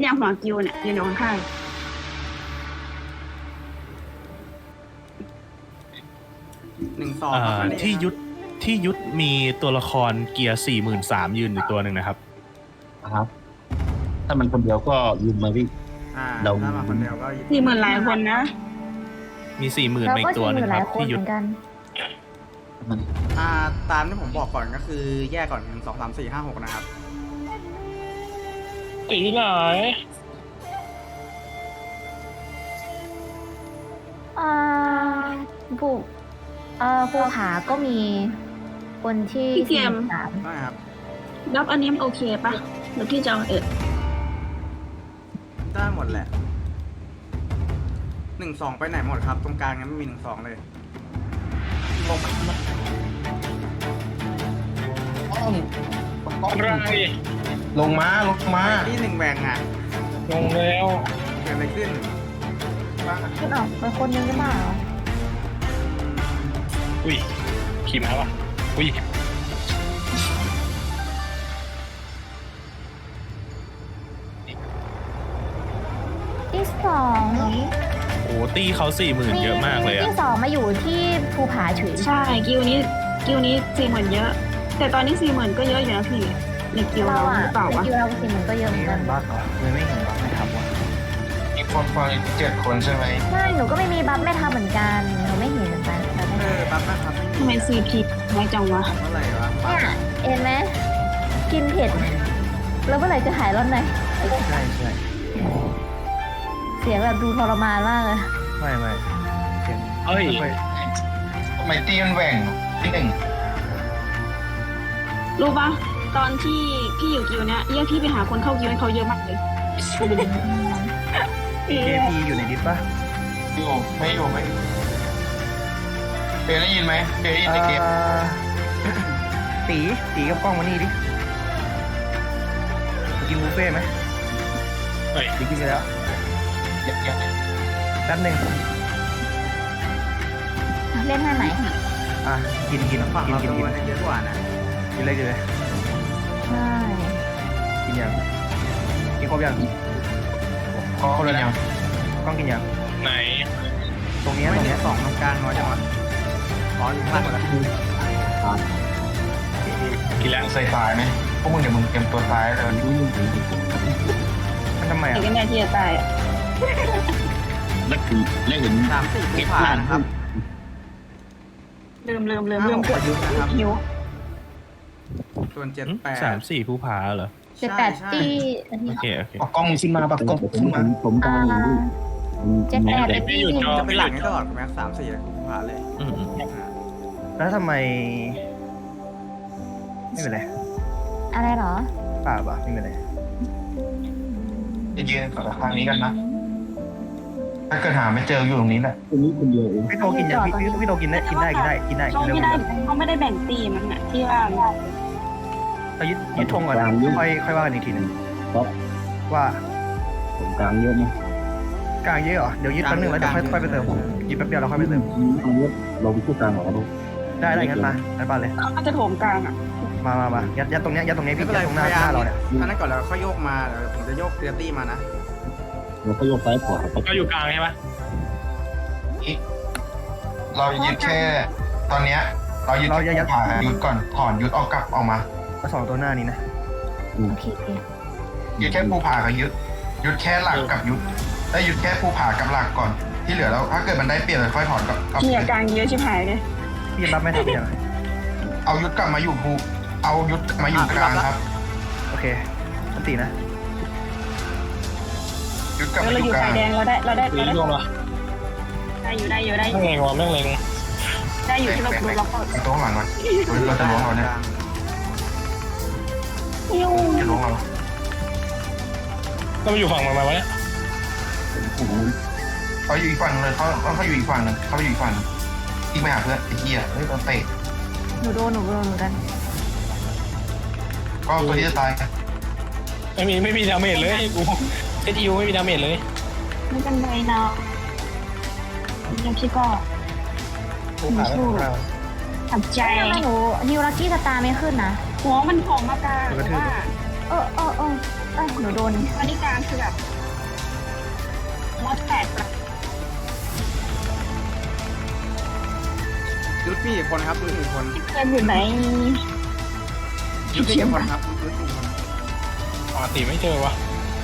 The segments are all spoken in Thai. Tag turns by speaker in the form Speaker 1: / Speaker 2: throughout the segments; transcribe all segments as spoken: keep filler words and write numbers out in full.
Speaker 1: เนี่ยหัวกิวเนี่ยยืนอยู่ข้าง
Speaker 2: หนึ่งสอง
Speaker 3: อ่าที่ยุทธที่ยุทธมีตัวละครเกียร์สี่หมื่นสามยืนอยู่ตัวหนึ่งนะครับ
Speaker 4: ครับ ถ้ามันคนเดียวก็ยืมมาพี่
Speaker 2: อ่า
Speaker 4: เรา
Speaker 2: ถ้ามาคนเดียวก็
Speaker 1: สี่หมื่นหลายคนนะ
Speaker 3: มีสี่หมื่น
Speaker 5: เรา
Speaker 3: มาอี
Speaker 5: ก็
Speaker 3: กตัว
Speaker 5: ชิง
Speaker 3: ห
Speaker 5: อ
Speaker 3: นึ่ง
Speaker 5: ยู่ห
Speaker 3: ค
Speaker 5: ลา
Speaker 3: รั
Speaker 5: ย
Speaker 3: บ
Speaker 5: คน
Speaker 3: ที่
Speaker 5: เห
Speaker 3: ยุทธ
Speaker 5: มือนกัน
Speaker 2: อ่าตามที่ผมบอกก่อนก็คือแยกก่อนหนึ่งสองสามสี่ห้าหกนะครับ
Speaker 6: ตีไหน
Speaker 5: อ่าผู้เอ่อภูผาก็มีคนที่
Speaker 1: พี่เกม
Speaker 5: สาม
Speaker 2: ได้ครับ
Speaker 1: รับอันนี้มันโอเคปะหรือพี่จะเอาเออ
Speaker 2: ได้หมดแหละหนึ่งสองไปไหนหมดครับ ตรงกลางยังไม่มีหนึ่งสองเลย
Speaker 6: อะไร
Speaker 4: ลงมาลงมา
Speaker 2: ที่หนึ่งแหวงอ่ะ
Speaker 6: ลงแล้ว
Speaker 2: เกิดอะไรขึ้น
Speaker 5: คุณออกไปคนนึงได้เปล่า
Speaker 6: อุ้ยขี่ม้าวะอุ้ย
Speaker 5: ที่สอง
Speaker 3: โอ้ตีเขาสี่หมื่นเยอะมากเลยอะ
Speaker 5: ที่สองมาอยู่ที่ภูผาเฉย
Speaker 1: ใช่กิวนี้กิวนี้สี่หมื่นเยอะ แต่ตอนนี้สี่หมื่นก็เยอะอยู่นะพี่ในกิว
Speaker 5: เรา
Speaker 1: เรา
Speaker 5: อ่ะ
Speaker 1: หรือเปล่าวะ
Speaker 5: คิวเราสี่หมื่นก็เยอะเหมือนกัน
Speaker 7: บัคเหรอเลยไม่เห็นบัคไม่ทำวะ
Speaker 4: มีคนฟังเจ็ดคนใช่ไหม
Speaker 5: ใช่หนูก็ไม่มีบัฟไม่ทำเหมือนกันหนูไม่เห็นเหมือนกันแต่ไม่
Speaker 2: เออปั๊บนะครับไม่
Speaker 1: ทำไม
Speaker 2: มี
Speaker 1: ซีพีน้อยจังวะ
Speaker 2: เมื่อไหร่วะ
Speaker 5: เนี่ยเห็นไหมกินเผ็ดแล้วเมื่อไหร่จะหายร้อนใน
Speaker 7: ใช่ใช่
Speaker 5: เสียงแบบดูทรมานมากเลย
Speaker 7: ไม่ไม่เสียง
Speaker 6: เฮ้ย
Speaker 7: ไม่ค่อย
Speaker 4: ทำไมตีมันแหว่งที่หนึ่ง
Speaker 1: รู้ปะตอนที่พี่อยู่กิวเนี้ยเรียกพี่ไปหาคนเข้ากิวให้เขาเยอะมากเลย
Speaker 7: เอพีอยู่ในดิสปะ
Speaker 4: อยู่ไม่อยู่ไหมเดี๋ยวได้ยินไหมเดี๋ยวได้ยินในเกม
Speaker 7: อ่าตีตีกับกล้องมานี่ดิกินบุฟเฟ่ต์ไหม
Speaker 6: เฮ้ย
Speaker 7: ตีกินไปแล้ว
Speaker 4: เดี๋ยวเดี๋ยว
Speaker 7: แป๊บหนึ่ง
Speaker 5: เล่นให้ไหม
Speaker 7: อ่ะกินกิน
Speaker 2: ฝั่ง
Speaker 7: กิน
Speaker 2: เรา
Speaker 7: กิน
Speaker 2: ดู
Speaker 7: กิน
Speaker 2: เยอะกว่านะ
Speaker 7: กินเลยกินเลย
Speaker 5: ใช่
Speaker 7: กินยังกินครบยัง
Speaker 4: ก็เลยยัง
Speaker 7: กล้องกินยัง
Speaker 6: ไหน
Speaker 7: ตรงเนี้ย
Speaker 2: ไม่
Speaker 7: ตรง
Speaker 2: หนึ่
Speaker 7: เนี้ย
Speaker 2: งสองตรงกลางน้อยจังวะอ๋ออยู่ข้างหมดแล้ว
Speaker 6: กี่แล้ว
Speaker 4: ใส่สายไหมพวกมึงเดี๋ยวมึงเตรียมตัวซ้ายเลย
Speaker 7: มันทำไม
Speaker 1: ไอ้
Speaker 7: อ่ะ
Speaker 1: กันแน่ที่จะตายอ่ะ
Speaker 4: แล้วคือแล้วเห็น
Speaker 2: สามสี่ผู้ผ่านนะครับ
Speaker 1: ลืมลืมลืม
Speaker 2: ห้า
Speaker 1: ลื
Speaker 2: ห
Speaker 1: ม
Speaker 2: ก
Speaker 1: ก
Speaker 2: ป
Speaker 1: ด
Speaker 2: ระยุทธ์นะครับ
Speaker 1: หิว
Speaker 2: ส่วนเจ็ดแปด
Speaker 3: สามสี่ผู้พาเหรอ
Speaker 5: เจ็ดแปด
Speaker 2: ใช่
Speaker 5: ตีอันนี้
Speaker 3: โอเค โอเค
Speaker 4: เอากล้องมึงขึ้นมาปะกล้องขึ้นมา
Speaker 7: ผมกำ
Speaker 5: อ่า
Speaker 7: ลังอยู่
Speaker 5: เจ็ดแปด
Speaker 6: ไม่อยู่จอ
Speaker 2: จะเป็
Speaker 6: ไม่
Speaker 2: น
Speaker 6: อ
Speaker 2: หลั
Speaker 6: ยู่
Speaker 2: งให้
Speaker 6: จ
Speaker 2: ต
Speaker 6: อ
Speaker 2: ลอดแม็กสามสี่ผู้ผ่านเลย
Speaker 3: อืม
Speaker 7: แล้วทำไม ไม่เป็นไร
Speaker 5: อะไรเหรอ
Speaker 7: เปล่าเปล่าไม่เป็นไร
Speaker 4: จะยืนฝั่งทางนี้กันนะ ถ้าเกิดหาไม่เจออยู่ตรงนี้แหละ
Speaker 7: พี่โตกินยังพี่พี่พี่โตกินได้กินได้กินได้กินได้
Speaker 1: เขา
Speaker 7: กิน
Speaker 1: ไม่
Speaker 7: ได้
Speaker 1: ได้เขาไม่ได้แบ่งตีมันอ่ะที่ว่า
Speaker 7: เรายึดยึดธงก่อนค่อยค่อยว่ากันอีกทีหนึ่งว่า
Speaker 4: ผมกลางเยอะนะ
Speaker 7: กลางเยอะเหรอเดี๋ยวยึดแป๊บนึงแล้วเดี๋ยวค่อยค่อยไปเติมยึดแป๊บเดียวแล้วค่อยไปเติม
Speaker 4: เราไปพูดกลางหรอครับ
Speaker 7: ได้ได้งั้นมาไปบ้านเลย
Speaker 1: เขาจะโถมกลางอ่ะ
Speaker 7: มามามายัดยัดตรงเนี้ยยัดตรงเนี้ย
Speaker 2: ไม่
Speaker 7: พี่
Speaker 2: เป็น
Speaker 7: ยั
Speaker 2: ไร
Speaker 7: ดตรงห
Speaker 2: พ
Speaker 7: น้าย
Speaker 2: ายา
Speaker 7: หน้าม เราเนี่ย
Speaker 2: อันนั้นก่อนแล้วค่อยโยกมาเดี๋ยวผมจะโยกเตียตี้มานะ
Speaker 4: เราก็ยกซ้ายขวา
Speaker 6: ก็อยู่กลางใช่ปะ
Speaker 4: เรายึดแค่ ตอนเนี้ยเรายึดผ่ายึดก่อนถอนยึดเอากลับออกมา
Speaker 7: มาสองตัวหน้านี้นะ
Speaker 5: โอเคโอเค
Speaker 4: ยึดแค่ภูผากับยึดยึดแค่หลักกับยึดได้ยึดแค่ภูผากับหลักก่อน ที่เหลือแล้วถ้าเกิดมันได้เปลี่ยนเลยค่อยถอนกับกับ
Speaker 1: เกียร์กลางเยอะชิบหายเลย
Speaker 7: พี่รับไม่ทันยัง
Speaker 4: เอายึดกลับมาอยู่ภูเอายึดกลับมาอยู่กลางครับ
Speaker 7: โอเคอันตีนะ
Speaker 4: ยึดกลับ
Speaker 1: เรา
Speaker 4: มาอ
Speaker 1: อยู่
Speaker 4: ยู่ก
Speaker 1: ไฟ
Speaker 4: ลาง
Speaker 1: แดงเราได้เราได้
Speaker 6: ตี
Speaker 1: เราได้
Speaker 6: ลงละ
Speaker 1: ได้อยู่ได้อยู่ได้อ
Speaker 6: แม่
Speaker 1: ยู่
Speaker 6: งเลงวะแม่งเลง
Speaker 1: ได้อยู่ที่เราดูล็อก
Speaker 4: ไอ้ตัวข้างหลังก่อนเราจะล้วงเราเนี่ย
Speaker 1: ยิ้ว
Speaker 4: จะล้วงเรา
Speaker 6: ก็มาอยู่ฝั่งมันมาวะเนี่ย
Speaker 4: เขาอยู่อีกฝั่งเลยเขาเขาอยู่อีกฝั่งหนึ่งเขาอยู่อีกฝั่งที่ไปหาเพื่อนไอ้เหี้ยเฮ้ยโดนเตะ
Speaker 5: หนูโดนหนูโดนเหมือนกัน
Speaker 4: ก็ตัวที่จะตาย
Speaker 6: ไม่มีไม่มีดาเมจเลยกูเอสอิวไม่มีดาเมจเลย
Speaker 1: ไม่เป็นไรนะยังคิดก็
Speaker 6: ผู้ผ่านแล้วผู้ผ่าน
Speaker 1: ตัดใจ
Speaker 5: ทำไมหนูนิวลักกี้สตาร์ไม่ขึ้นนะ
Speaker 1: หัวมันผอมมากลางว่า
Speaker 5: เออเออเออเอ้ยหนูโดน
Speaker 1: ตอนนี้กลางคือแบบมดแตกแบบ
Speaker 2: ยุทธมีกี่คนครับยุทธมีกี่คน
Speaker 1: เพื่อนอยู่ไหน
Speaker 2: ยุทธมีกี่คนครับยุทธมีกี่คน
Speaker 6: ปกติไม่เจอวะ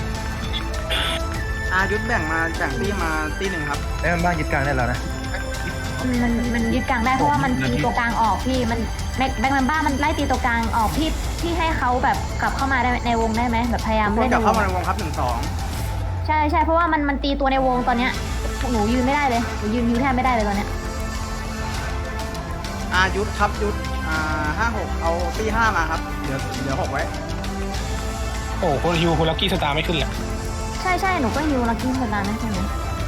Speaker 2: อายุทธแบ่งมาแบ่งที่มาตีหนึ่งครับ
Speaker 7: ไอ้มันบ้านยึดกลางได้แล้วนะ
Speaker 5: มันมันยึดกลางได้เพราะว่ามันตีตัวกลางออกพี่มันแบ็คแบ็คแมนบ้ามันไล่ตีตัวกลางออกพี่พี่ให้เขาแบบกลับเข้ามาได้ในวงได้ไหมแบบพยายาม
Speaker 2: คน
Speaker 5: เล่น
Speaker 2: กลับ
Speaker 5: ในว
Speaker 2: เข้าง มาในวงครับหนึ่งสอง
Speaker 5: ใช่ใช่เพราะว่ามันมันตีตัวในวงตอนเนี้ยหนูยืนไม่ได้เลยหนูยืนยืนแทบไม่ได้เลยตอนเนี้ย
Speaker 2: อายุทธครับยุทธอ่าห้าหกเอาตีห้ามาครับเดี๋ยวเดี๋ยวหกไว้
Speaker 6: โอ้คนฮิวคนลักกี้สตาร์ไม่ขึ้นเลย
Speaker 5: ใช่ใช่หนูก็ฮิวลักกี้สตาร์นะใช่ไหม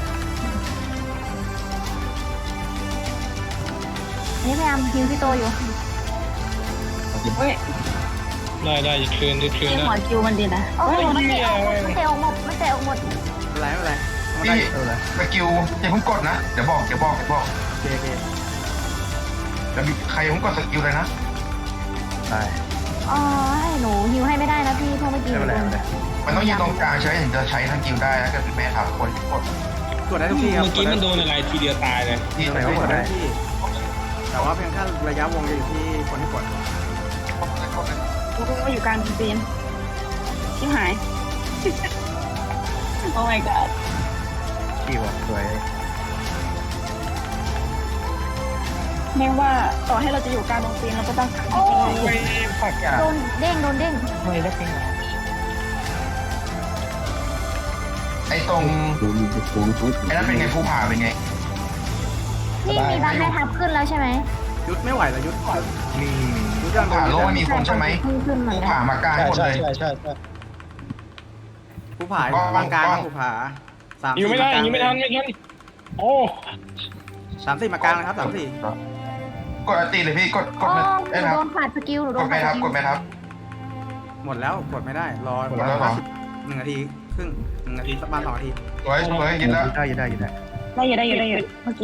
Speaker 5: อันนี้พยายามฮิวพี่โตอยู่
Speaker 1: เฮ้ย
Speaker 6: ได้ได้ยึดคืนยึดคืน
Speaker 1: ที่
Speaker 6: ได้
Speaker 1: หัวคิวมันดีนะ
Speaker 5: โอ้โหมันเตะออกหมดมันเตะออกหมดมันเตะออกหมด
Speaker 2: ไม่เป็นไรไม่เป็นไรเอา
Speaker 4: พี่
Speaker 2: ได้
Speaker 7: เออเลย
Speaker 4: สกิลอย่าเพิ่งกดนะ เดี๋ยวบอก เดี๋ยวบอก เดี๋ยวบอก
Speaker 2: โอเคโอเค
Speaker 4: เดี๋ยวใครอย่าเพิ่งกดสกิลเลยนะ
Speaker 7: ตาย
Speaker 5: อ๋อให้หนูฮิวให้ไม่ได้นะพี่เพราะเมื่อกี้
Speaker 7: ไม่
Speaker 5: หนู
Speaker 7: เป็นไร
Speaker 5: โด
Speaker 7: ไม่
Speaker 5: น
Speaker 7: เป็นไร
Speaker 4: มันต้องยืนตรงกลางใช่ไหมถึงจะใช้สกิลได้นะเกิดเป็นแม่ถามคนกด
Speaker 2: กดได้ทุกที่ครับ
Speaker 6: เมื่อกี้มันโดนอะไรทีเดียวตายเลย
Speaker 4: ที่
Speaker 2: กด
Speaker 4: ไหน
Speaker 2: ได้
Speaker 4: ก็
Speaker 2: ทุ
Speaker 4: ก
Speaker 2: ก
Speaker 4: ดได้
Speaker 2: ที่แต่ว่าเพียงแค่ระยะวงจะอยู่ที่คนที่กด
Speaker 1: กูก็อยู่กลางจีนชิบหาย โอ้ my god
Speaker 7: ที่ว่ะสวย
Speaker 1: แม้ว่าต่อให้เราจะอยู่กลางตรงจีนเราก็ต้องกลาง
Speaker 5: โอ้
Speaker 1: จีน
Speaker 6: ผักอ่ะ
Speaker 5: โดนเด้งโดนเด้ง
Speaker 6: ไม่ได้เป็น
Speaker 4: ไอ้ตรงไอ้นั่นเป็นไงภูผาเป็นไง
Speaker 5: นี่มีบ้านแม่ทับขึ้นแล้วใช่ไหม
Speaker 2: ยุทธไม่ไหวแล้วยุทธ
Speaker 7: มี
Speaker 2: ยุทธยังโด
Speaker 4: ภูผาน โลกไม่มีคนใช่ไหม
Speaker 5: ขึ้นขึ้นเหมือ
Speaker 4: ภู
Speaker 5: นกั
Speaker 4: ผาน มากลาง
Speaker 6: ใช่
Speaker 4: หมด
Speaker 6: ใช่
Speaker 4: เลย
Speaker 6: ใช่ใช่ใช่
Speaker 2: ภูผาอยู่กลางกลางครับภูผาสาม
Speaker 6: ยิวไม่ได้
Speaker 2: สี่
Speaker 6: ยิวไม่ทันไม่ทันโอ้
Speaker 2: สามสี่มากลางนะครับสามสี่
Speaker 4: กดอัตีเลยพี่ กด ก
Speaker 5: โอ้
Speaker 4: ด
Speaker 5: ห
Speaker 4: ไอ้
Speaker 5: นู
Speaker 4: นะ
Speaker 5: โดนขาดสกิลหนูโด
Speaker 4: ก
Speaker 5: น
Speaker 4: ดไม่
Speaker 5: ขาด
Speaker 4: ทั
Speaker 5: ส
Speaker 4: บ
Speaker 5: กิ
Speaker 4: ก
Speaker 5: ล
Speaker 4: ดไม่ทับ
Speaker 2: หมดแล้วกดไม่ได้รอ
Speaker 4: หมดแล้วเหรอ
Speaker 2: หนึ่งนาทีครึ่งหนึ่งนาทีสักประมาณสองนาที
Speaker 4: สวยสวยยินแล้ว
Speaker 7: ได้ยึดได้ยึดได้
Speaker 1: ได้อยู่ได้อยู่ได้อยู่เมื่อกี้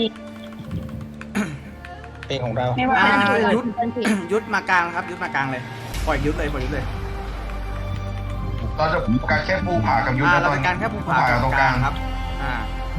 Speaker 6: เพลงของเรา
Speaker 1: ไม่ว่า
Speaker 2: อ่า
Speaker 1: จะ
Speaker 2: ยุทธ ยุทธมากลางครับยุทธมากลางเลยปล่อยยุทธเลยปล่อยยุทธเลย
Speaker 4: เราจะการแค่ภูผากับยุทธ
Speaker 2: อ่า
Speaker 4: นะ
Speaker 2: เรา
Speaker 4: ตอน
Speaker 2: เป็นการแค่ภูผา
Speaker 4: กับตรงกลาง
Speaker 2: ครับอ่า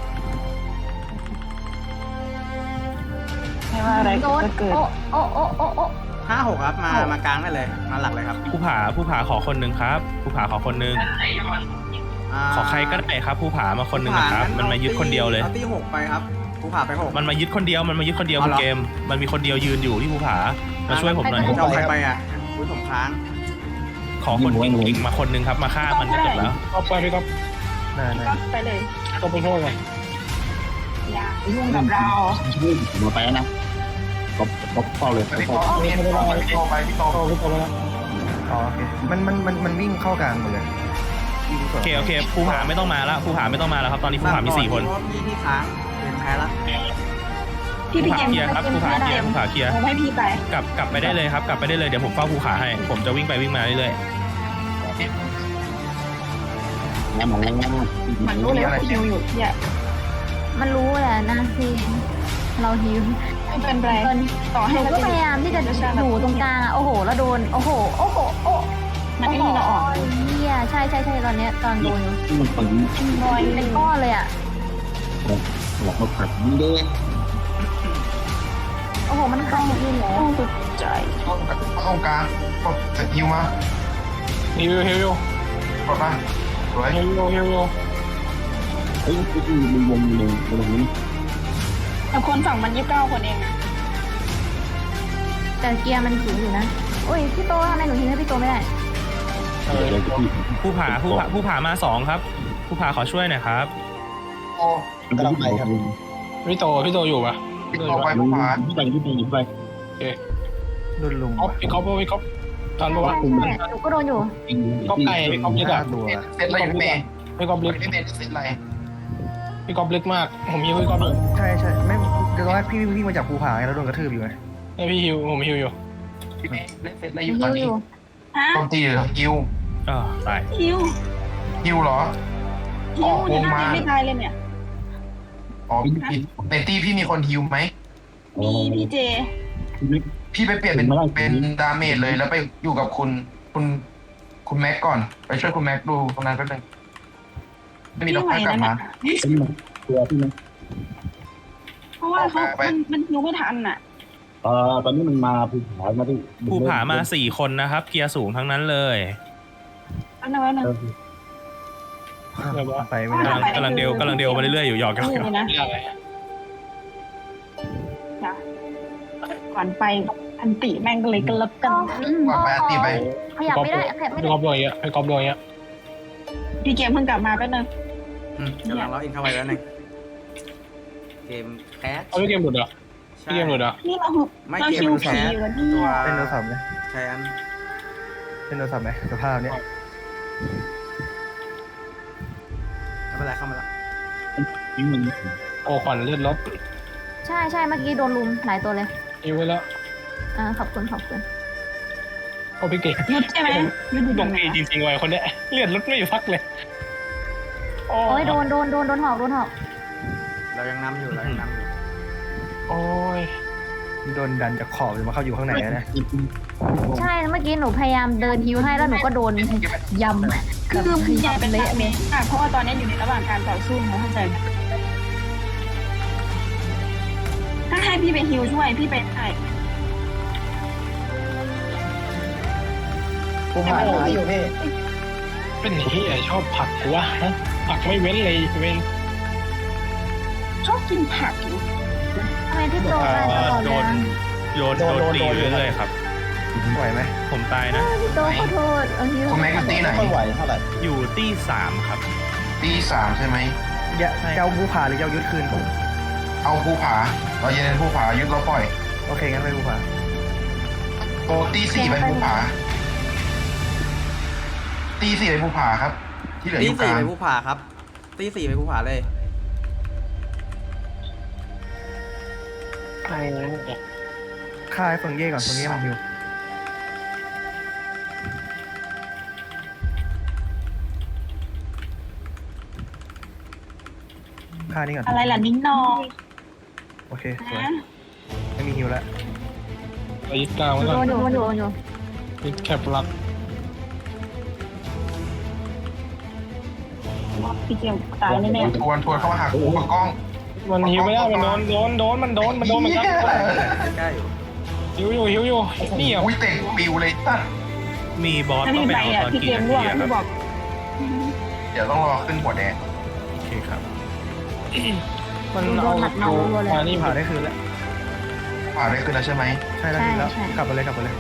Speaker 1: ไม่ว่าอะไร
Speaker 5: โดน
Speaker 1: จะเกิด
Speaker 5: โอ้โอ้โอ้โอ้โอ้
Speaker 2: ห้าหกครับมามากลางได้เลยมาหลักเลยครับ
Speaker 3: ผู้ผาผู้ผาขอคนหนึ่งครับ ผู้ผาขอคนหนึ่ง
Speaker 2: า
Speaker 3: ขอใครก็ได้ครับ ผู้ผามาคนหนึ่งนะครับ
Speaker 2: ภูผ
Speaker 3: มันมายึดคนเดียวเลย
Speaker 2: เอาตีหกไปครับภูผาไปหก
Speaker 3: มันมายึดคนเดียว มันมายึดคนเดียว
Speaker 2: อ๋อ
Speaker 3: คุณ
Speaker 2: เหรอ
Speaker 3: เกม มันมีคนเดียวยืนอยู่ที่ภูผา มาช่วยผมหน่อย
Speaker 2: จะเอาใครไปอ่ะอุ้ยผมค้าง
Speaker 3: ขอคนเก่งๆมาคนหนึ่งครับ มาฆ่ามันจะจบแล้ว
Speaker 6: ก็ไปพี่ก็
Speaker 7: ได้ได้
Speaker 1: ก็ไปเลย
Speaker 6: ก็ไปโทษไง
Speaker 1: อย่ายุ่งกับเรา
Speaker 8: มาไปแล้วนะก็ก็เฝ้าเลย
Speaker 4: พี่โตพี่โตพี่โตไปพี่โต
Speaker 6: โทษพี่ก็แล้ว
Speaker 7: อ๋อโอเคมันมันมันมันวิ่งเข้ากลางหมดเลย
Speaker 3: โอเคโอเคภูผาไม่ต้องมาแล้วภูผาไม่ต้องมาแล้วครับ ตอนนี้ภูผามีสี่คน
Speaker 2: เพราะพี่พี่ค้างเกมแพ้ละ
Speaker 1: พี่
Speaker 3: ภู
Speaker 1: พี่
Speaker 3: ผา
Speaker 1: เกม
Speaker 3: เคลียร์ครับภูผาเคลียร์ภูผาเคลียร์
Speaker 1: ผมให้พี่ไป
Speaker 3: กลับกลับไปได้เลยครับ กลับไปได้เลย เดี๋ยวผมเฝ้าภูผาให้ ผมจะวิ่งไปวิ่งมาเรื่อย
Speaker 8: แล้วมันแล้ว
Speaker 1: มันรู้เลยว่าคิวอยู่ที่อ่ะ
Speaker 5: มันรู้แหละนะพี่เราฮิว
Speaker 1: ไม่เป็นไร
Speaker 5: เกิน
Speaker 1: ต่อ
Speaker 5: ห
Speaker 1: ให้
Speaker 5: นู
Speaker 1: เรา
Speaker 5: ก็
Speaker 1: จะ
Speaker 5: พยายามที่จะอยู่ตรงกลางอะโอ้โหแล้วโดนโอ้โหโอ้โหโอ้
Speaker 1: มันไม่มีเราออก
Speaker 5: เฮียใช่ใช่ใช่ตอนเนี้ยตอนโดนอยู่
Speaker 8: มันฝัง
Speaker 1: บอย
Speaker 5: เป็นก้อนเลยอะ
Speaker 8: หลอกมาผัดมันด้วย
Speaker 5: โอ้โหมันเข้าอยู่แล้ว
Speaker 1: สุดใจ
Speaker 4: ตรงกลางกดสกิลมา
Speaker 6: ฮิวฮิว
Speaker 4: กดมาสวย
Speaker 6: ฮิวฮิว
Speaker 8: เฮ้ยมันวงเลยตรงนี้
Speaker 1: แต่คนฝั่งมันยี่สิบเก้าคนเองนะ
Speaker 5: แต่เกียร์มันสูงอยู่นะโอ้ยพี่โตทำไมหนูทิ้งให้พี่โตไม่ได้
Speaker 6: เออ
Speaker 3: ๆภูผาภูผาภูผามาสองครับภูผาขอช่วยหน่อยครับ
Speaker 4: โอ้
Speaker 8: กำลังไปครับ
Speaker 6: พี่โตพี่โตอยู่ปะ
Speaker 4: พี่โตไปภูผา
Speaker 8: ที่ไปที่ไปที่ไป
Speaker 7: โดนลุม
Speaker 6: ก๊อปพี่ก๊อปพี่ก๊อปทันปะวะ
Speaker 5: ใช่ใช่หนูก็โดนอยู่
Speaker 6: ก๊อปไก่ก๊อปลึก
Speaker 7: ห้า
Speaker 6: อะ
Speaker 7: ตัว
Speaker 4: เสร็จอะไรอยู่พี่เมย์
Speaker 6: พี่ก๊อปลึก
Speaker 4: พี่เมย์เสร็จอะไร
Speaker 6: พี่ก๊อปลึกมากผมฮิวพี่ก๊อปอยู่
Speaker 7: ใช่ใช่ไม่เดี๋ยวตอนแรกพี่วิ่งมาจากภูผาไงแล้วโดนกระทืบอยู่ไง
Speaker 6: ให้พี่ฮิวผมฮิวอยู่
Speaker 4: พี่เมย์เล่นเสร็จอะไรอ
Speaker 5: ฮิ
Speaker 4: ยู่
Speaker 5: ว
Speaker 4: ตอน
Speaker 5: อ
Speaker 4: นี้
Speaker 5: ยู่
Speaker 1: ฮะ
Speaker 4: โจมตีหรือฮิว
Speaker 3: อ๋อตาย
Speaker 1: คิว
Speaker 4: ฮิวเหรอ
Speaker 1: คิวนี่น่าจะไม่ตายเลยเนี่ย
Speaker 4: อ๋อพี่ในตี้พี่มีคนฮิวไหม
Speaker 1: มีพีเจ
Speaker 4: พี่ไปเปลี่ยนเป็นเป็นดาเมจเลยแล้วไปอยู่กับคุณคุณคุณแม็กก่อนไปช่วยคุณแม็กดูตรงนั้นแป๊บนึงไม่มี
Speaker 1: พี่
Speaker 4: ต้อง
Speaker 1: ไหว
Speaker 4: กลับ
Speaker 1: นั่น
Speaker 4: มา
Speaker 1: น่ะ
Speaker 8: เป็นมันตัวพี่นะ
Speaker 1: เพราะว่าเขา
Speaker 4: ไป
Speaker 1: มันมันคิวไม่ทันอ่ะ
Speaker 8: เอ่อตอนนี้มันมาภูผามาที่
Speaker 3: ภูผามาสี่คนนะครับ เกียร์สูงทั้งนั้นเลย
Speaker 1: อันนั้นอันนั้น
Speaker 8: เออ
Speaker 6: เดี๋ยวว่า
Speaker 7: ไปไม่ได้
Speaker 3: กำลังกำลังเดียวกำลังเดียวมาเรื่อยๆอยู่หยอกกัน
Speaker 1: นี่เลยนะ
Speaker 6: ไม่อะไร
Speaker 1: จ้ะก่อนไปอันติแม่งก็เลยกระลับกัน
Speaker 5: อืม
Speaker 4: วางไปอันตีไป
Speaker 5: ขยับไม่ได้ขยับไม่
Speaker 6: พี่
Speaker 5: ได้
Speaker 6: กอล์ฟโดนอย่างเงี้ยพี่กอล์ฟโดนอย่างเงี้ย
Speaker 1: พี่เกมเพิ่งกลับมาแป๊บนึง
Speaker 2: อืมกำลังล็อกอินเข้าไปแล้วหนึ่งเกมแคส
Speaker 6: เอาพี่เกมหลุดเหรอ
Speaker 2: ใช่
Speaker 6: พี่เกมหลุดเหรอ
Speaker 1: นี่เรา
Speaker 2: ไม่
Speaker 1: เรา
Speaker 2: เกม
Speaker 1: คิว
Speaker 2: แค
Speaker 1: ผี
Speaker 2: ส
Speaker 1: อยู่กันที่
Speaker 2: ตัว
Speaker 7: เล่นโทรศัพท์ไหม
Speaker 2: ใช่อัน
Speaker 7: เล่นโทรศัพท์ไหมสภาพเนี้ย
Speaker 2: ไม่เป็นไรเข้ามาแล้ว
Speaker 8: ทิ้งมัน
Speaker 6: โอ้ขวัญเลือดลด
Speaker 5: ใช่ใช่เมื่อกี้โดนลุมหลายตัวเลย
Speaker 6: อิวไว้แล้ว
Speaker 5: อ่าขอบคุณขอบคุณ
Speaker 6: โอ้พี่เก่ง
Speaker 1: ยุดใช่ไหมยุดอยู่
Speaker 6: ด
Speaker 1: ตร
Speaker 6: ง
Speaker 1: งไหน
Speaker 6: ปีจริงๆไว้คนเนี้ยเลือดลดไม่อยู่พักเลยโอ้
Speaker 5: โอ้ยโดนโดนโดนโดนหอกโดนหอก
Speaker 2: เรายังนำอยู่เรายังนำอยู่
Speaker 6: โอ้ย
Speaker 7: โดนดันจากขอบจนมาเข้าอยู่ข้างในแล้วนะ
Speaker 5: ใช่เมื่อกี้หนูพยายามเดินฮิวให้แล้วหนูก็โดนยำ
Speaker 1: คือคืออย่าเป็น
Speaker 5: เละ
Speaker 1: แบบ
Speaker 5: เล
Speaker 1: นี้
Speaker 5: ย
Speaker 1: ค่ะเพราะว่าตอนนี้อยู่ในระหว่างการต่อสู้นะเข้าใจไหมถ้าให้พี่ไปฮิวช่วยพี่ไปได้
Speaker 7: ภูผาหาอยู่พี่
Speaker 6: เป็นที่ไอชอบผักกูวะฮะผักไม่เว้นเลยเว้น
Speaker 1: ชอบกินผักอยู่
Speaker 5: ทำไมพี่โตตายตลอด
Speaker 3: โด
Speaker 5: เลย
Speaker 3: น
Speaker 5: อะ
Speaker 3: โดนโดนตีอยู่เรื่อยๆครับ
Speaker 7: ไหวไหม
Speaker 3: ผมตายนะ
Speaker 5: พี่โตขอโทษเอาฮิว
Speaker 4: คุณแม็กอยู่ตีไหน
Speaker 3: อยู่ตี้สามครับ
Speaker 4: ตีสามใช่ไหม
Speaker 7: อย่าเจ้าภูผาหรือเจ้ายุทธคืน
Speaker 4: เอาภูผาเราเย็นภูผายึดเราปล่อย
Speaker 7: โอเคงั้นไปภูผา
Speaker 4: โตตีสี่ไปภูผาตีสี่ไปภูผาครับ ที่เหลืออ
Speaker 2: ตี
Speaker 4: ยู่ก
Speaker 2: สี่
Speaker 4: ลาง
Speaker 2: ไปผู้ผ่าครับตีสี่ไปผู้ผ่าเลย
Speaker 6: โอ้ย
Speaker 7: ฆ่าไอ้เฟิงเย่ก่อนเฟิงเย่มันฮิวฆ่านี่ก่อน
Speaker 1: อะไรล่ะนิ้งนอง
Speaker 7: โอเคสวย
Speaker 1: นะ
Speaker 7: ไม่มีฮิวแล้ว
Speaker 6: เรายึดกลางไว้
Speaker 5: โด
Speaker 6: ก่อน
Speaker 5: นอยู่โดนอยู่โดนอยู่
Speaker 6: ยึดแคปลัก
Speaker 1: พี่เกมตายแน่
Speaker 4: ทวนทวนเข้ามาหากูกับกล้อง
Speaker 6: มันหิวไม่ได้มันโดนโดนโดนมันโดนมันโดนมันครับ
Speaker 2: ใกล้ๆอยู่
Speaker 6: หิวอยู่หิวอยู่นี่อ่ะ
Speaker 4: อุ้ยเตะปิวเลยตั้ง
Speaker 3: มีบอส
Speaker 1: ๆถ้า
Speaker 3: ต้อง
Speaker 1: พี่
Speaker 3: ไป
Speaker 1: ไป
Speaker 3: เอา
Speaker 1: อ่ะ
Speaker 3: ตอน
Speaker 1: พี่เก
Speaker 3: กี่
Speaker 1: ม
Speaker 3: นา
Speaker 1: ร่วง
Speaker 3: ทีอะค
Speaker 1: พี่
Speaker 3: รับ
Speaker 1: บอก
Speaker 4: เดี๋ยวต้องรอขึ้นหัวแดง
Speaker 3: โอเคครับ
Speaker 6: มัน
Speaker 5: โด
Speaker 6: เอา
Speaker 5: นหมัดเมารัวเลย
Speaker 6: มานี่
Speaker 7: ภูผาได้คืนแล้ว
Speaker 4: ผ่าได้ขึ้นแล้วใช่ไหม
Speaker 7: ใช่แล้วคืนแล้วกลับไปเลยกลับไปเลย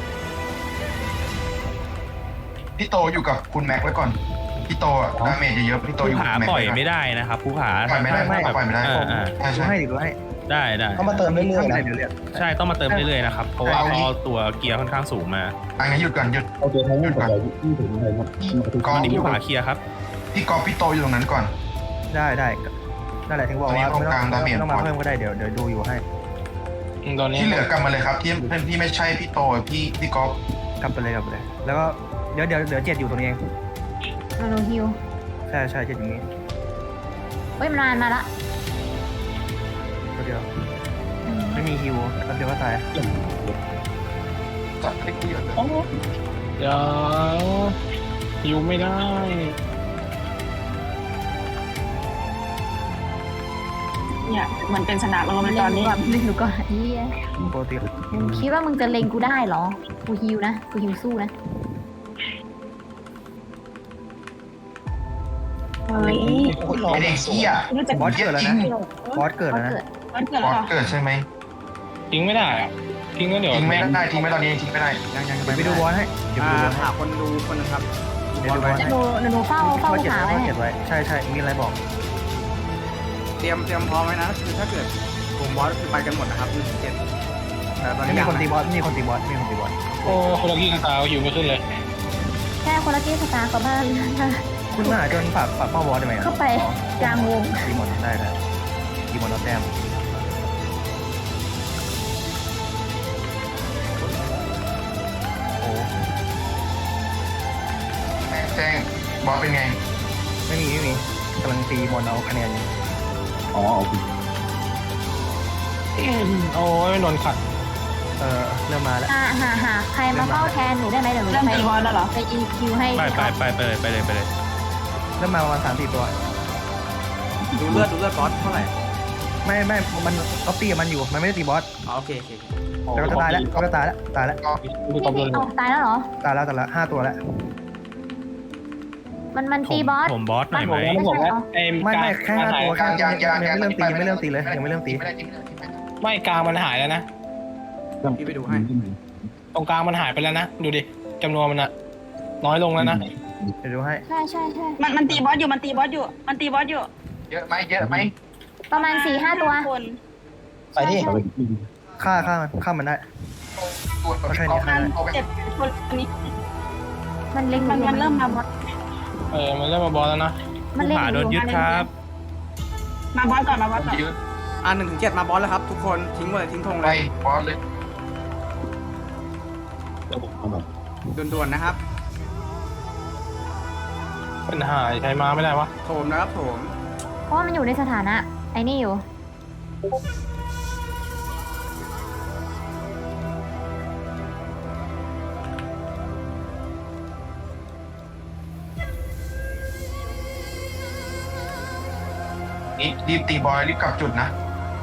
Speaker 4: พี่โตอยู่กับคุณแม็กไว้ก่อนพี่โตอะดาเมจเยอะๆพี่โต
Speaker 3: ภู
Speaker 4: อยู่กับ
Speaker 3: ผา
Speaker 4: คุณแม็ก
Speaker 3: ปล่อย
Speaker 4: ไว้ก่อน
Speaker 3: ไม่ได้นะครับภูผา
Speaker 4: ปล่อยไม่ได้
Speaker 3: ถ้าแบบ
Speaker 4: ปล่อยไม่ได้
Speaker 3: เออเออ
Speaker 4: ใช่
Speaker 7: ดู
Speaker 4: ใช่
Speaker 7: ให้ดิดูให้
Speaker 3: ได้ได้
Speaker 7: เขามาเติมเรื่อยๆนะเดี๋ยวเรียก
Speaker 3: ใช่ต้องมาเติมเรื่อยๆนะครับ เพราะว่าพอตัวเกียร์ค่อนข้างสูงมา
Speaker 4: อันนี้หยุดก่อนหยุด
Speaker 8: เอาตัวท้องมันไปที่ถึงอะไรครับมาถึง
Speaker 4: กล้อง
Speaker 3: อันนี้ภูผาเคลียร์ครับ
Speaker 4: พี่กอฟพี่โตอยู่ตรงนั้นก่อน
Speaker 7: ได้ได้นั่นแหละถึงบอกว่า
Speaker 4: ตอนนี้
Speaker 7: ไม่ต้อง
Speaker 4: ตรงกลางดาเมจ
Speaker 7: ไม่ต้องมาเพิ่มก็ได้เดี๋ยวเดี๋ยวดูอยู่ให้
Speaker 6: ตอนนี้
Speaker 4: ที่เหลือกลับมาเลยครับ ที่ที่ไม่ใช่พี่โตพี่พี่กอฟ
Speaker 7: กลับไปเลยกลับไปเลย แล้วก็เดี๋ยวเดี๋ยวเดี๋ยวเจ็ดอยู่ตรงนี้เอง
Speaker 5: หนูฮิว
Speaker 7: ใช่ใช่เจ็ดอย่างนี้
Speaker 5: เฮ้ยมันมามาละ
Speaker 7: ตัวเดียว
Speaker 5: อืม
Speaker 7: ไม่มีฮิวแป๊บเดียวก็ตาย
Speaker 4: จัดให้กูเยอะเลย
Speaker 6: เดี๋ยวหิวไม่ได้
Speaker 1: เนี่ยเหมือนเป็นสนามเรา
Speaker 5: เล็
Speaker 1: มัน
Speaker 5: ง
Speaker 1: ตอน
Speaker 5: หนู
Speaker 1: นี้
Speaker 5: ก่อนเล็งหนูก่อนเฮีย
Speaker 7: ปกติ
Speaker 5: มึงคิดว่ามึงจะเล็งกูได้เหรอ กูฮิวนะ กูฮิวสู้นะ
Speaker 1: เฮ้ย
Speaker 4: ไอเด็กเหี้ย
Speaker 1: นี่จะ
Speaker 7: บอสเกิดแล้วนะบอสเกิด
Speaker 5: ก็
Speaker 7: แล้วนะ
Speaker 5: เกิด
Speaker 1: วันเกิด
Speaker 4: บ
Speaker 1: แล้
Speaker 4: อ
Speaker 1: ว
Speaker 4: ส
Speaker 1: เหรอ
Speaker 4: เกิดใช่ไหม
Speaker 6: ทิ้งไม่ได้อ่ะทิ้งก็เดี๋ยว
Speaker 4: ทิ้งไม่ได้ทิ้งไม่ตอนนี้ทิ้งไม่ได้
Speaker 2: ยังยัง
Speaker 7: เดี๋ยวไปดูบอสให้เดี๋ยวไป
Speaker 2: อ่า
Speaker 7: ดูบอสให้
Speaker 2: หาคนดูคนหนึงครับ
Speaker 7: เดี๋ยวดูบอสให้
Speaker 5: หนูหนูเฝ้าเฝ้า
Speaker 7: ข้อเจ็ด
Speaker 5: ขา
Speaker 7: ไว้
Speaker 5: ไว้
Speaker 7: ข้อเจ็ดไว้ใช่ใช่มีอะไรบอก
Speaker 2: เตรียมเตรียมพร้อมไว้นะคือถ้าเกิดกลุ่มบอสคือไปกันหมดนะครับหนึ่งเจ็ดแต่ตอน
Speaker 7: ไม่
Speaker 2: นี้
Speaker 7: มี
Speaker 2: ยัง
Speaker 7: คนตี
Speaker 2: นะ
Speaker 7: บอสไม่มีคนตีบอสไม่มีคนตีบอส
Speaker 6: โอ้คนละกี้กันตาหิวไม่ขึ้นเลย
Speaker 5: แค่คนละกี้สตาร์กับบ้าน
Speaker 7: คุณมาหาจนฝากฝากเป้าบอสได้ไหมอะ
Speaker 5: เข้าไปกลางวง
Speaker 7: ตีหมดได้ได้ตีหมดแล้วแต้มโอ้
Speaker 4: แม็กแจ้งบอสเป็นไง
Speaker 7: ไม่มีไม่มีกำลังตีบอลเอาคะแนนอยู่
Speaker 8: อ๋อโอเค
Speaker 6: โอ้ยนนขัด
Speaker 7: เออเริ่มมาแล้ว
Speaker 5: หาหาหาใครมาเฝ้าแทนหนูได้ไหมเดี๋ยวหนู
Speaker 1: เริ่ม
Speaker 5: ไป
Speaker 1: ตีบอลแล้วเหรอ
Speaker 5: ไปอีคิวให้
Speaker 3: ไปไปไปไปเลยไปเลยไปเลย
Speaker 7: เริ่มมาประมาณสามสี่ตัว
Speaker 2: ดูเลือดดูเลือดบอสเท่าไหร่
Speaker 7: ไม่ไม่มันก็ตีกับมันอยู่มันไม่ได้ตีบอส
Speaker 2: อ๋อโอเคโอเค
Speaker 7: แต่ก็จะตายแล้วก็จะตายแล้วตายแล้ว
Speaker 6: ดูกองโดน
Speaker 5: เอาตายแล้วเหรอ
Speaker 7: ตายแล้วตายแล้วห้าตัวแล้ว
Speaker 5: มันมัน
Speaker 3: ผ
Speaker 5: ตี
Speaker 3: ม
Speaker 5: บอส
Speaker 3: ผมบอสหน่อยไหม
Speaker 6: ผมบอกว่าไอ้
Speaker 7: ไม่ไม่แค่ห้าตัว
Speaker 4: ยังยังยัง
Speaker 7: ยังไม่เริ่มตียังไม่เริ่มตีเลยยังไม่เริ่มตี
Speaker 4: ไม่ได้จริงไม่ได้จริงไม่ได้
Speaker 6: ไม่กลางมันหายแล้วนะ
Speaker 2: พี่ไปดูให้
Speaker 6: ตรงกลางมันหายไปแล้วนะดูดิจำนวนมันอะน้อยลงแล้วนะ
Speaker 7: เดี๋ยวดูให้
Speaker 5: ใช่ใช่ใช่
Speaker 1: มันมันตีบอสอยู่มันตีบอสอยู่มันตีบอสอยู่
Speaker 4: เยอะไหมเยอะไหม
Speaker 5: ประมาณสี่ห้าตัว
Speaker 1: คน
Speaker 6: ไปดิ
Speaker 5: ใช่ใช่
Speaker 7: ฆ่าฆ่ามันฆ่ามันได้
Speaker 4: ตัวตัว
Speaker 7: ก็แค่
Speaker 4: พี่
Speaker 7: นี้
Speaker 4: ก๊อฟเอาไป
Speaker 1: เจ็บคนอันนี้
Speaker 5: มันเล็งห
Speaker 1: มัน
Speaker 5: อยู่
Speaker 1: มันเริ่มมาบอส
Speaker 6: เออมันเริ่มมาบอลแล้วนะ
Speaker 5: มันเล็ง
Speaker 3: หา
Speaker 5: อ
Speaker 3: โดน
Speaker 5: ยู่
Speaker 3: ยึดครับ
Speaker 1: มาบอสก่อนมาบอสก่อน
Speaker 4: ยืด
Speaker 2: อ่าหนึ่งถึงเจ็ดมาบอสแล้วครับ ทุกคนทิ้งหมดเลยทิ้งธง
Speaker 4: ไป
Speaker 2: เลย
Speaker 4: บอสเลย
Speaker 2: ด่วนๆนะครับ
Speaker 6: ปัญหาใช้มาไม่ได้วะ
Speaker 2: โถมนะครับโถม
Speaker 5: เพราะว่ามันอยู่ในสถานะไอ้นี่อยู่
Speaker 4: นี่รีบตีบอลรีบกลับจุดนะ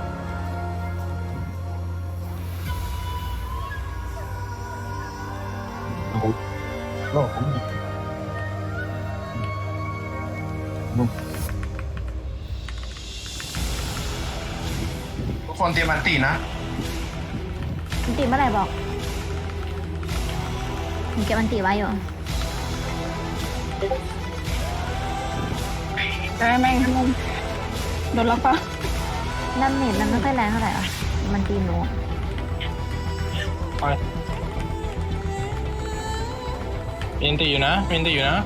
Speaker 4: ทุกคนเตรียมมันตีนะ
Speaker 5: มันตีเมื่อไหร่บอกผมเก็บมันตีไว้อยู่
Speaker 1: ได้แม่งทั้งโดนล็อกปะ
Speaker 5: น้ำเน็ตมันไม่ค่อยแรงเท่าไหร่อ่ะมันตีหนู
Speaker 6: ไปมีนตีอยู่นะมีนตีอยู่นะ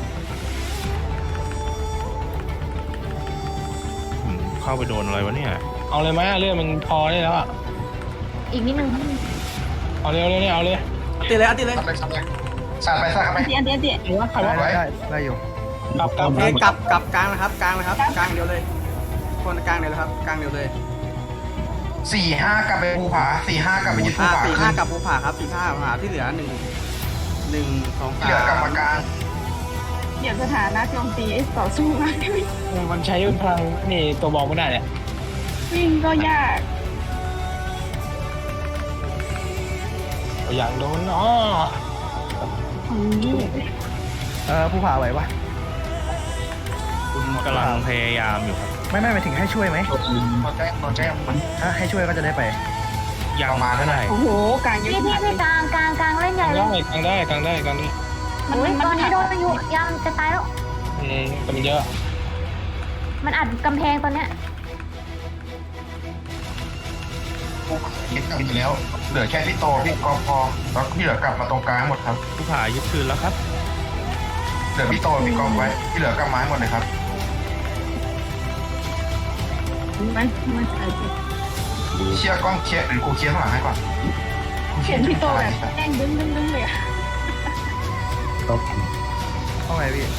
Speaker 3: ผมเข้าไปโดนอะไรวะเนี่ย
Speaker 6: เอาเลยไหมเลือดมันพอได้แล้วอะ
Speaker 5: อีกนิดนึง
Speaker 6: เอาเร็วเร็วเนี่ยเอาเลย
Speaker 2: ตีเลยอ่ะตีเลย
Speaker 4: สับเลยสับเลยสับไปสับไป
Speaker 1: อันตีอันตีอันตี
Speaker 6: หรือว่าใคร
Speaker 7: ได้
Speaker 6: ว่า
Speaker 7: ได้ได้ได้อยู่
Speaker 6: กลับกลับ
Speaker 2: โอเคกลับกลับกลางนะครับกลางนะครับกลางเดียวเลยคนกลางเดียวเลยครับกลางเดียวเลย
Speaker 4: สี่ห้ากลับไปภูผาสี่ห้ากลับไปยึดภู
Speaker 2: อ่า
Speaker 4: ผา
Speaker 2: สี่
Speaker 4: ขึ้
Speaker 2: ห้าน กับภูผาครับสี่ห้าภูผาที่เหลือหนึ่งหนึ่งสอง
Speaker 4: ที่
Speaker 2: สา
Speaker 4: เหลือกรรม
Speaker 2: ม
Speaker 4: การ
Speaker 1: เดี๋ยวสถานะโจมตีต่อสู้มาก
Speaker 6: มันใช้พลังนี่ตัวบอกไม่ได้เนี่ย
Speaker 1: วิ่งก็ยาก
Speaker 6: อย่างโดนอ๋อ
Speaker 7: เออผู้ผ่าไหวปะ
Speaker 3: คุณกำลังพยายามอยู่ครับ
Speaker 7: ไม่ไม่หมายถึงให้ช่วยไหม
Speaker 4: เราแจ้งเราแจ้งมัน
Speaker 7: ถ้าให้ช่วยก็จะได้ไป
Speaker 3: ยัง
Speaker 4: ประมาณ
Speaker 3: เท่าไหร่
Speaker 1: โอ้โหกลางเยอะ
Speaker 5: พี่พี่
Speaker 1: ขนาด
Speaker 5: พี่กลางกลางกลางเล่นใหญ่เลย
Speaker 6: ได้กลางได้กลางได้กลางได้
Speaker 1: มัน
Speaker 5: โอ้ย
Speaker 1: มัน
Speaker 5: ตอนนี้โดน
Speaker 1: มัน
Speaker 5: อยู่ยังจะตายแล้ว
Speaker 6: อืมแต่มันเยอะ
Speaker 5: มันอัดกำแพงตอนเนี้ย
Speaker 4: ภูผายึดกลับไปแล้ว เหลือแค่พี่โตพี่กอพอแล้วที่เหลือกลับมาตรงกลางหมดครับ
Speaker 3: ผู้ผ่ายึดคืนแล้วครับ
Speaker 4: เหลือพี่โตพี่กอไว้ที่เหลือกลับมาให้หมดเลยครับ
Speaker 1: มันมันเออ
Speaker 4: เคลียร์กล้องเคลียร์หรือกูเคลียร์ข้างหลังให้ก่อน
Speaker 1: เห็นพี่โตแบบแกล้งดึงดึงดึงเลยอะ
Speaker 7: เข้าไงพี่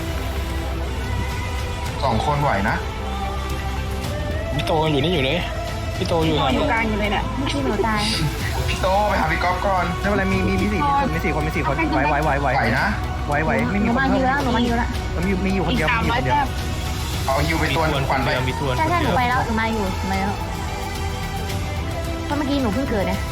Speaker 4: สองคนไหวนะ
Speaker 6: พี่โตอยู่นี่อยู่เลยพี่โตอยู่
Speaker 1: น
Speaker 6: ไห
Speaker 1: อน
Speaker 6: น
Speaker 1: อยู่กลางอยู่เลยเนี่ย
Speaker 5: พี่หนูตาย
Speaker 4: พี่โตไปหาพี่ก๊อฟก่อน
Speaker 7: ไม่เป็นไรมีมีมีสี่คนมีสี่คนมีสี่คนไหวไหวไหวไหว
Speaker 4: ไหวนะ
Speaker 7: ไหวไหวไม่
Speaker 5: ห
Speaker 7: มี
Speaker 5: นู
Speaker 7: คน
Speaker 5: มา
Speaker 7: เพิ่
Speaker 5: เย
Speaker 7: ม
Speaker 5: อะหนูมาเยอะละ
Speaker 7: มันมีมีอยู่คน
Speaker 1: อีก
Speaker 7: เดียว
Speaker 1: สาม
Speaker 7: มีอ
Speaker 1: ร้อย
Speaker 7: ยู่คนเดียว
Speaker 1: แต้ม
Speaker 4: เอาฮิวไป
Speaker 3: มี
Speaker 4: ตัว
Speaker 3: ทวน
Speaker 4: ค
Speaker 3: ค
Speaker 4: วัน
Speaker 3: น
Speaker 4: ไป
Speaker 3: เดียวมีทวน
Speaker 5: ใช่
Speaker 3: คน
Speaker 5: ใช่ห
Speaker 3: เดี
Speaker 5: นู
Speaker 3: ยว
Speaker 5: ไปแล้วหนูมาอยู่หนูมาแล้วเพราะเมื่อกี้หนูเพิ่งเกิดเนี่ย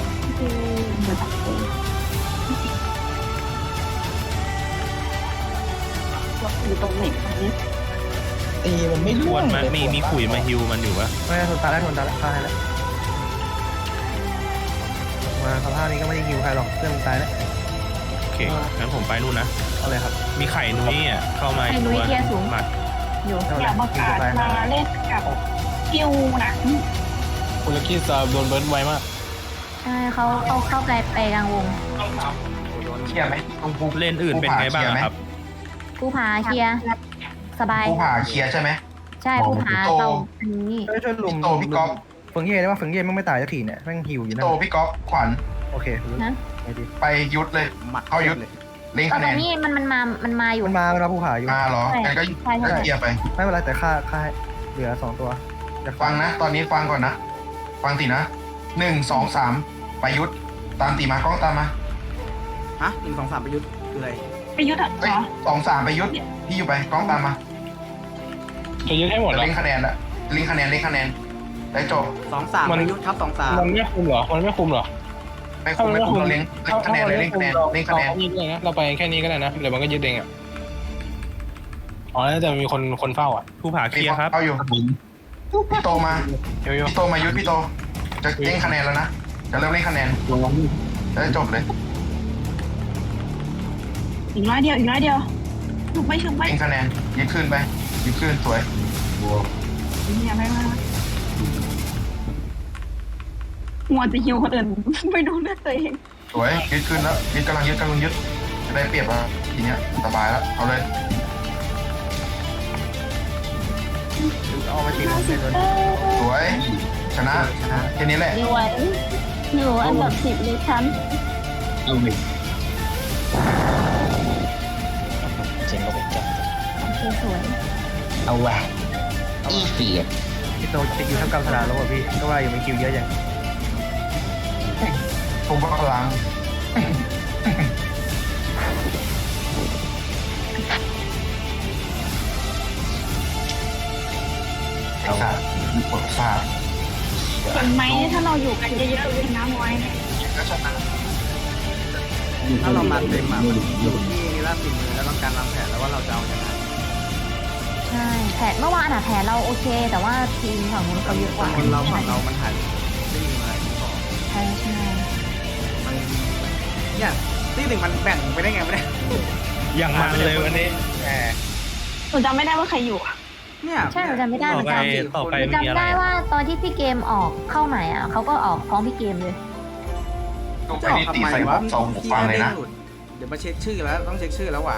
Speaker 1: อยู่ตรงไหนตรงนี้
Speaker 6: ตีมันไม่
Speaker 3: ทวนมามีมีขุยมาฮิวมันอยู่ปะ
Speaker 7: ไม่ได้ทนตายแล้วทนตายแล้วฆ่าให้แล้วมาสภาพนี้ก็ไม่ได้ฮิวใครหรอกเพื่อนมึงตายแล้ว
Speaker 3: โอเคงั้นผมไปนู่นนะ
Speaker 7: เอาเลยครับ
Speaker 3: มีไข่นุ้ยอ่ะเข้ามาอีกตัวหมัด
Speaker 5: อยู่
Speaker 7: เอา
Speaker 1: อ
Speaker 7: เลย
Speaker 1: ยากประกาศมาเล่นกับกิวนะ
Speaker 6: คุณลักกี้จะโดนเบิร์ดไวมาก
Speaker 5: ใช่เขาเขาเข้าไปไปกลางวง
Speaker 4: เคลียร์ไหมตรงภู
Speaker 3: เล่นอื่นเป็นไงบ้างอะครับ
Speaker 5: ผู้พาเคลียร์สบาย
Speaker 4: ภูผาเคลียร์ใช่ไหม
Speaker 5: ใช่ผู้พาเราอันนี้
Speaker 7: ช่วยช่วยลุม
Speaker 4: พี่โตพี่ก๊อฟ
Speaker 7: ฝึงเย่ได้ว่าฝึงเย่แม่งไม่ตายสักทีเนี่ยแม่งฮิวอยู่
Speaker 4: พี่
Speaker 7: นั่
Speaker 4: โต
Speaker 7: น
Speaker 4: พี่ก๊อฟขวัญ
Speaker 7: โอเครู้
Speaker 5: นะ
Speaker 7: ไงดี
Speaker 4: ไปยุดเลย
Speaker 2: หมัด
Speaker 4: เข้ายุด
Speaker 2: เลย
Speaker 4: เล่น
Speaker 5: ตอ
Speaker 4: คะ
Speaker 5: น
Speaker 4: แนน
Speaker 5: นี้มันมันมามันมาอยู่
Speaker 7: มันมาแล้วผู้ผ่าอยู่
Speaker 4: มาเหรองั้นก็
Speaker 5: ใช่ใช่
Speaker 4: ก็เคลียร์ไป
Speaker 7: ไม่เป็นไรแต่ค่าค่าให้เหลือสองตัวอยาก
Speaker 4: ฟังนะ ตอนนี้ฟังก่อนนะ ฟังสินะหนึ่งสองสามไปไปยุทธตามตีมากล้องตามมา
Speaker 2: ฮะหนึ่งสองสามประยุทธ์คืออะไร
Speaker 1: ไปยุทธอ่ะ
Speaker 4: เอ้ย
Speaker 1: เหรอ
Speaker 4: สองสามไปยุทธพี่อยู่ไปกล้องตามมา
Speaker 6: จะยึดให้หมด
Speaker 4: จะ
Speaker 6: แล้ว
Speaker 4: เล่นคะแนนละเล่นคะแนนเล่นคะแนนได้จบ
Speaker 2: สองสามประยุทธ์ทับสองสาม
Speaker 6: มันไม่คุมเหรอมันไม่คุมเหรอ
Speaker 4: ไม่คุ้มไม่คุ้มเราเล่นเล่นคะแนนเลยเล่นคะแนนเล่นคะแนน
Speaker 6: เรายึดเลยนะเราไปแค่นี้ก็ได้นะเดี๋ยวมันก็ยึดเองอ่ะอ๋อแล้วจะมีคนคนเฝ้าอ่ะ
Speaker 3: ภูผาเคลียร์ครับ
Speaker 4: เข้าอยู่พี่โตมา
Speaker 6: เยอะ
Speaker 4: พี่โตมายุทธพี่โตจะเล่นคะแนนแล้วนะจะเริ่มเล่นคะแนนจะได้จบเลย
Speaker 1: อีกร้อยเดียวอีกร้อยเดียวชุบไปชุบไป
Speaker 4: เล่นคะแนนยึดขึ้นไปยึดขึ้นสวย
Speaker 1: เนี่ยไม่ไม่มัวจะหิวคนอื่น ไม่ดูเลือดตัวเอง
Speaker 4: สวยยึดขึ้นแล้วยึดกำลังยึดกำลังยึดจะได้เปรียบแล้วทีเนี้ยสบายแล้วเอาเลย
Speaker 7: เอาไปตีมันเลย
Speaker 4: สวยชนะชนะแค่นี้แหละ
Speaker 1: อยู่ไหวอยู่อันดับสิบเลยฉัน
Speaker 8: เอาเลย
Speaker 6: เจ๋งก็เป็นจ้า
Speaker 5: สวย
Speaker 8: เอาว่ะอีเสีย
Speaker 7: พี่โตจะคิวเท่ากับสนามแล้วป่ะพี่ก็ว่าอยู่มีคิวเยอะจัง
Speaker 4: ผมว่าพลังไอ้สัตว์ปวดฟาด
Speaker 1: เห็นไหมถ้าเราอยู่กันเยอะๆเลยนะมวย
Speaker 4: ก็ชนะ
Speaker 2: ถ้าเรามาเต็มอ่ะมันอยู่ที่นี่ละสิ่งมือแล้วต้องการวางแผนแล้วว่าเราจะเอาชนะ
Speaker 5: ใช่แผนเมื่อวานอะแผนเราโอเค แต่ว่าทีมฝั่งนู้นเขาเยอะกว่า
Speaker 2: คนเราฝั่งเรามันหายไม่มีอะไรที่บอก
Speaker 5: ใช่ใช่
Speaker 2: มันเนี่ยที่หนึ่งมันแบ่งไปได้ไงไม่ได้
Speaker 3: อย่างมันเลยวันนี้แหม
Speaker 1: หนูจำไม่ได้ว่าใครอยู่อะ
Speaker 2: เนี่ย
Speaker 5: ใช่เราจำไม่ได้เหมือนกัน
Speaker 3: ต่อไป
Speaker 5: จำได้ว่าตอนที่พี่เกมออกเข้าใหม่อ่ะเขาก็ออกพร้อมพี่เกมเลย
Speaker 4: ต้องไป
Speaker 2: จะออก
Speaker 4: นี่
Speaker 2: ทำ
Speaker 4: ตี
Speaker 2: ไม
Speaker 4: ใส่หั
Speaker 2: วะ
Speaker 4: วสองหูฟังเลยนะ
Speaker 2: เดี๋ยวมาเช็คชื่อแล้วต้องเช็คชื่อแล้วว่ะ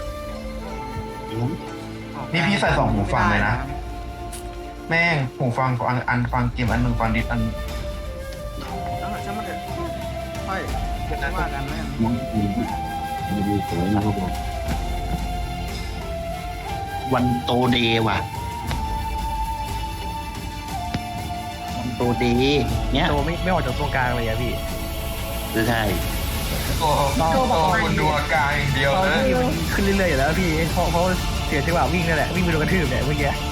Speaker 4: นี่พี่ใส่สองหูฟังเลยนะ แม่งหูฟังอันอันฟังเกมอันหนึ่งฟังดิสอัน
Speaker 2: แล้วช่างมันเถอะค่อยว่ากันนะ
Speaker 8: มันมันดูสวยนะครับผมวันโตเดย์ว่ะวันโตเดย์เนี้ย
Speaker 7: โตไม่ไม่ออกจากตรงกลางเลยอะพี่
Speaker 8: ใช่
Speaker 4: โอ้โหคุณดูอาการอย่างเดียว
Speaker 7: ตอน
Speaker 4: เลย
Speaker 7: ที่มันขึ้นเรื่อยๆอยู่แล้วพี่เพราะเพราะเสียจังหวะวิ่งนั่นแหละวิ่งไปโดนกระทืบเนี่ยเมื่อกี้